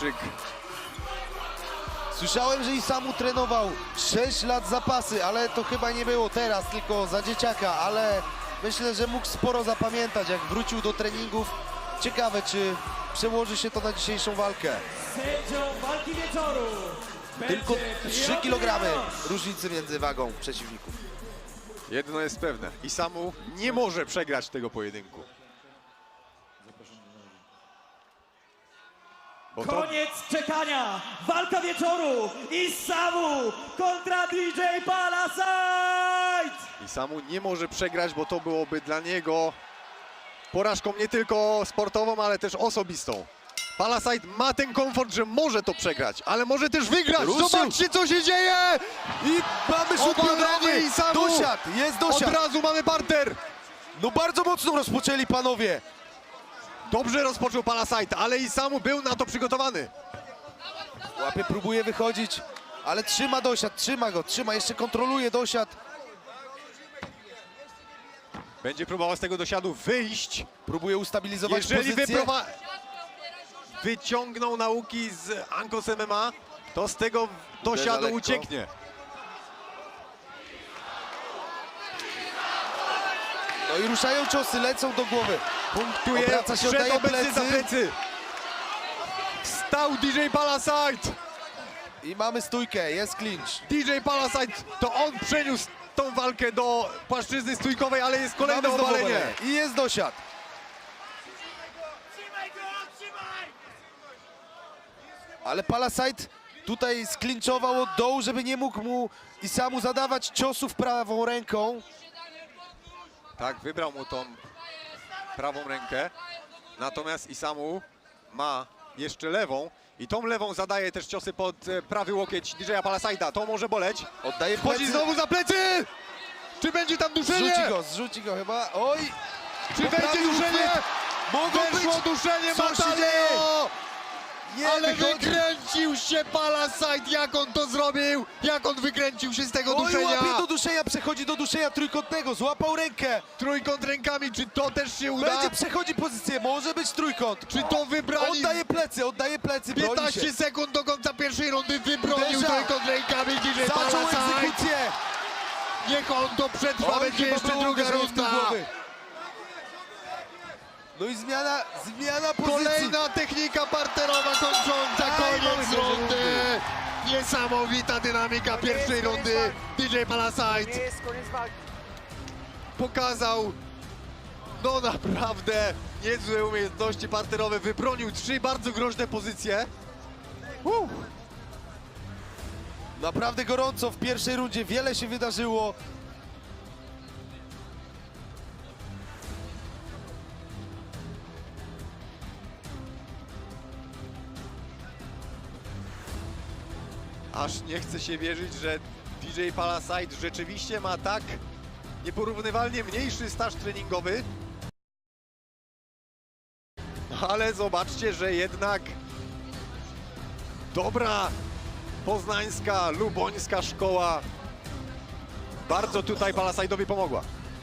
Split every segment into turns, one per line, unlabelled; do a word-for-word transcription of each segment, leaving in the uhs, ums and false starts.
Japończyk.
Słyszałem, że Isamu trenował sześć lat zapasy, ale to chyba nie było teraz, tylko za dzieciaka, ale myślę, że mógł sporo zapamiętać, jak wrócił do treningów. Ciekawe, czy przełoży się to na dzisiejszą walkę.
Sędzią walki wieczoru
Tylko
będzie
trzy
Piotr
kilogramy
Jarosz.
różnicy między wagą przeciwników.
Jedno jest pewne, Isamu nie może przegrać tego pojedynku. Bo to
Koniec czekania! Walka wieczoru! Isamu kontra D J Palasite!
Isamu nie może przegrać, bo to byłoby dla niego porażką nie tylko sportową, ale też osobistą. Palasite ma ten komfort, że może to przegrać, ale może też wygrać.
Ruszył.
Zobaczcie, co się dzieje!
I mamy rzut
Obalenie
biodowy.
Isamu.
Dosiad, jest
Od
dosiad.
razu mamy parter.
No bardzo mocno rozpoczęli panowie.
Dobrze rozpoczął Palasite, ale Isamu był na to przygotowany.
Łapy, próbuje wychodzić, ale trzyma dosiad, trzyma go, trzyma, jeszcze kontroluje dosiad.
Będzie próbował z tego dosiadu wyjść.
Próbuje ustabilizować
Jeżeli
pozycję.
wyprowa... wyciągną nauki z Ankos M M A, to z tego dosiadu
lekko.
ucieknie.
No i ruszają ciosy, lecą do głowy.
Punktuje,
Obraca się,
wszedł
oddaje
obecnie za
plecy.
plecy. Wstał D J Palasite.
I mamy stójkę, jest clinch.
D J Palasite, to on przeniósł tą walkę do płaszczyzny stójkowej, ale jest kolejne
Mamy znowu
obalenie.
obalenie. I jest dosiad. Ale Palasite tutaj sklinczował od dołu, żeby nie mógł mu Isamu zadawać ciosów prawą ręką.
Tak, wybrał mu tą prawą rękę, natomiast Isamu ma jeszcze lewą i tą lewą zadaje też ciosy pod e, prawy łokieć D J Palasite'a. To może boleć.
Oddaje
Wchodzi
plecy.
znowu za plecy! Czy będzie tam duszenie?
Zrzuci go, zrzuci go chyba. Oj!
Czy będzie
poprawił
duszenie?
uchwyt. Mogą
Weszło
być!
duszenie
Co się
Mataleo!
dzieje? Nie
Ale
wychodzi.
wykręcił się Palasite, jak on to zrobił! Jak on wykręcił się z tego
Oj,
duszenia!
łapie do duszenia, przechodzi do duszenia trójkątnego, złapał rękę.
Trójkąt rękami, czy to też się uda?
Będzie przechodzi pozycję, może być trójkąt.
Czy to wybrali?
Oddaje plecy, oddaje plecy, broni się.
piętnaście sekund do końca pierwszej rundy wybronił
Uderza.
trójkąt rękami D J
Zaczął
Palasite!
egzekucję.
Niech on to przetrwa,
Oj,
będzie
chyba
jeszcze
było
druga
uderzenie w tył
runda!
głowy. No i zmiana, zmiana pozycji.
Kolejna technika parterowa kończąca
Aj,
koniec
mamy
rundy!
rundy.
Niesamowita dynamika pierwszej rundy. D J Palasite pokazał no naprawdę niezłe umiejętności parterowe. Wybronił trzy bardzo groźne pozycje. Uh.
Naprawdę gorąco w pierwszej rundzie, wiele się wydarzyło.
Aż nie chce się wierzyć, że D J Palasite rzeczywiście ma tak nieporównywalnie mniejszy staż treningowy. Ale zobaczcie, że jednak dobra poznańska, lubońska szkoła bardzo tutaj Palasite'owi pomogła.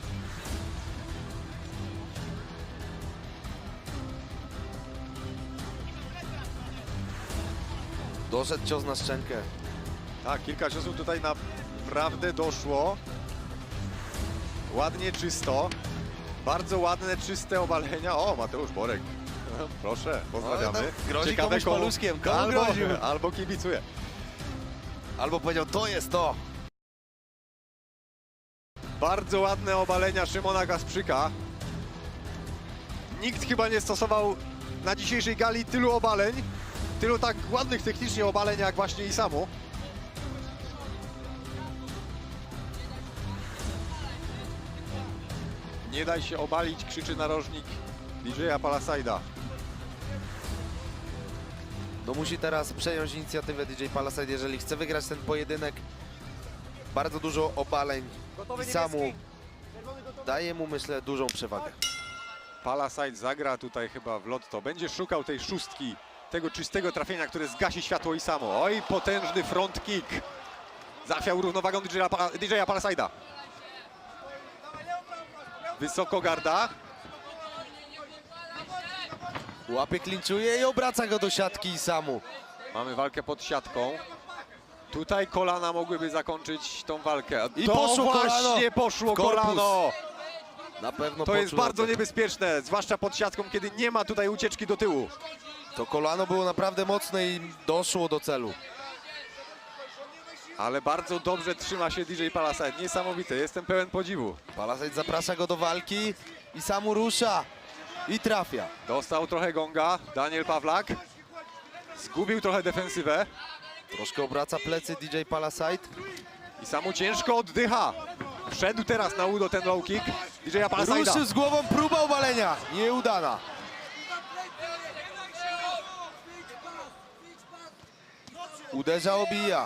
Doszedł cios na szczękę.
Tak, kilka ciosów tutaj naprawdę doszło. Ładnie, czysto. Bardzo ładne, czyste obalenia. O, Mateusz Borek. Proszę, pozdrawiamy.
Oj, tam grozi komuś
komu-
paluszkiem, komu
albo,
groził?
albo kibicuje.
Albo powiedział, to jest to.
Bardzo ładne obalenia Szymona Kasprzyka. Nikt chyba nie stosował na dzisiejszej gali tylu obaleń, tylu tak ładnych technicznie obaleń jak właśnie Isamu. Nie daj się obalić, krzyczy narożnik D J Palasite'a.
No musi teraz przejąć inicjatywę D J Palasite, jeżeli chce wygrać ten pojedynek. Bardzo dużo obaleń i Samu daje mu, myślę, dużą przewagę.
Palasite zagra tutaj chyba w lotto. Będzie szukał tej szóstki, tego czystego trafienia, które zgasi światło Isamu. Oj, potężny front kick. Zachwiał równowagą D J Palasite'a. Wysoko garda.
Łapie, klinczuje i obraca go do siatki Isamu.
Mamy walkę pod siatką. Tutaj kolana mogłyby zakończyć tą walkę.
I
to
poszło
właśnie
kolano
poszło
w korpus.
kolano.
Na pewno
To jest
poczuł
bardzo
na to.
niebezpieczne, zwłaszcza pod siatką, kiedy nie ma tutaj ucieczki do tyłu.
To kolano było naprawdę mocne i doszło do celu.
Ale bardzo dobrze trzyma się D J Palasite. Niesamowite, jestem pełen podziwu.
Palasite zaprasza go do walki. Isamu rusza i trafia.
Dostał trochę gonga Daniel Pawlak. Zgubił trochę defensywę.
Troszkę obraca plecy D J Palasite.
I samu ciężko oddycha. Wszedł teraz na udo ten low kick D J Palasite'a.
Ruszył z głową, próba obalenia. Nieudana. Uderza, obija.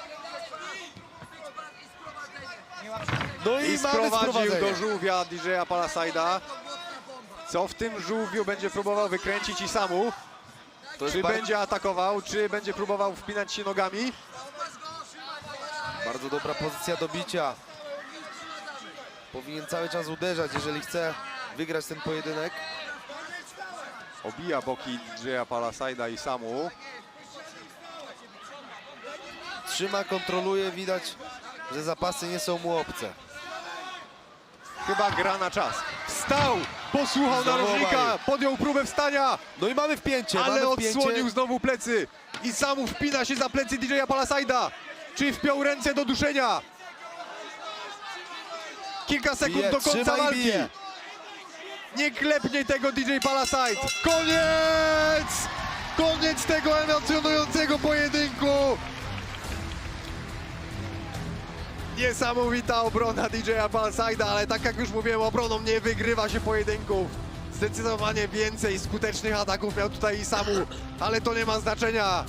No i,
I
mamy
sprowadził
sprowadzenie.
do żółwia D J Palasite'a. Co w tym żółwiu będzie próbował wykręcić i samu?
To jest
Czy
bar-
będzie atakował, czy będzie próbował wpinać się nogami?
bardzo dobra pozycja do bicia. Powinien cały czas uderzać, jeżeli chce wygrać ten pojedynek.
Obija boki D J Palasite'a i samu.
Trzyma, kontroluje, widać, że zapasy nie są mu obce.
Chyba gra na czas. Wstał! Posłuchał
Znowu
narożnika,
obalił.
podjął próbę wstania,
No i mamy wpięcie,
ale
mamy wpięcie.
odsłonił znowu plecy. I samu wpina się za plecy D J Palasite'a. Czy wpiął ręce do duszenia? Kilka sekund
Bije,
do końca
trzyma i
walki.
bije.
Nie klepnie tego D J Palasite. Koniec! Koniec tego emocjonującego pojedynku. Niesamowita obrona D J Palasite'a, ale tak jak już mówiłem, obroną nie wygrywa się pojedynków. Zdecydowanie więcej skutecznych ataków miał tutaj i samu, ale to nie ma znaczenia.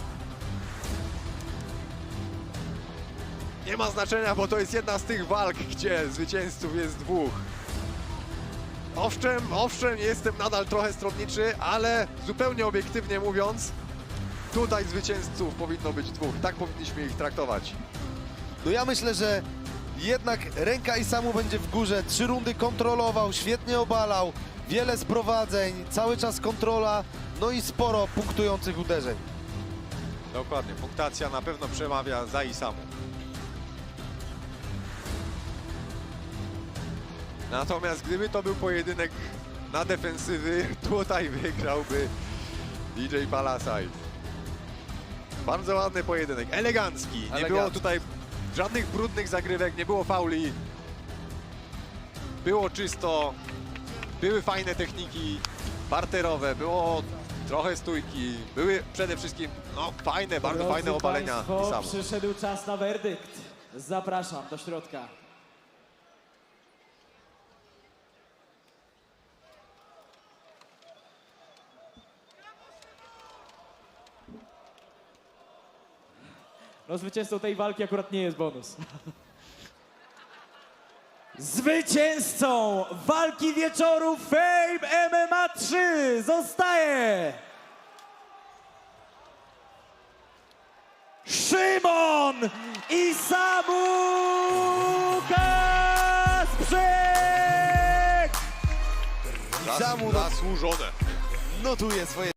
Nie ma znaczenia, bo to jest jedna z tych walk, gdzie zwycięzców jest dwóch. Owszem, owszem, jestem nadal trochę stronniczy, ale zupełnie obiektywnie mówiąc, tutaj zwycięzców powinno być dwóch. Tak powinniśmy ich traktować.
No ja myślę, że jednak ręka Isamu będzie w górze. Trzy rundy kontrolował, świetnie obalał, wiele sprowadzeń, cały czas kontrola, no i sporo punktujących uderzeń.
Dokładnie, punktacja na pewno przemawia za Isamu. Natomiast gdyby to był pojedynek na defensywy, tutaj wygrałby D J Palasite. Bardzo ładny pojedynek, elegancki. Nie
Elegancki.
było tutaj żadnych brudnych zagrywek, nie było fauli. Było czysto, były fajne techniki parterowe, było trochę stójki, były przede wszystkim no, fajne, bardzo
Drodzy
fajne obalenia
państwo,
Isamu.
przyszedł czas na werdykt. Zapraszam do środka. No zwycięzcą tej walki akurat nie jest bonus. Zwycięzcą walki wieczoru Fame M M A trzy zostaje Szymon Isamu Kasprzyk!
Isamu
Zasłużone.
notuje swoje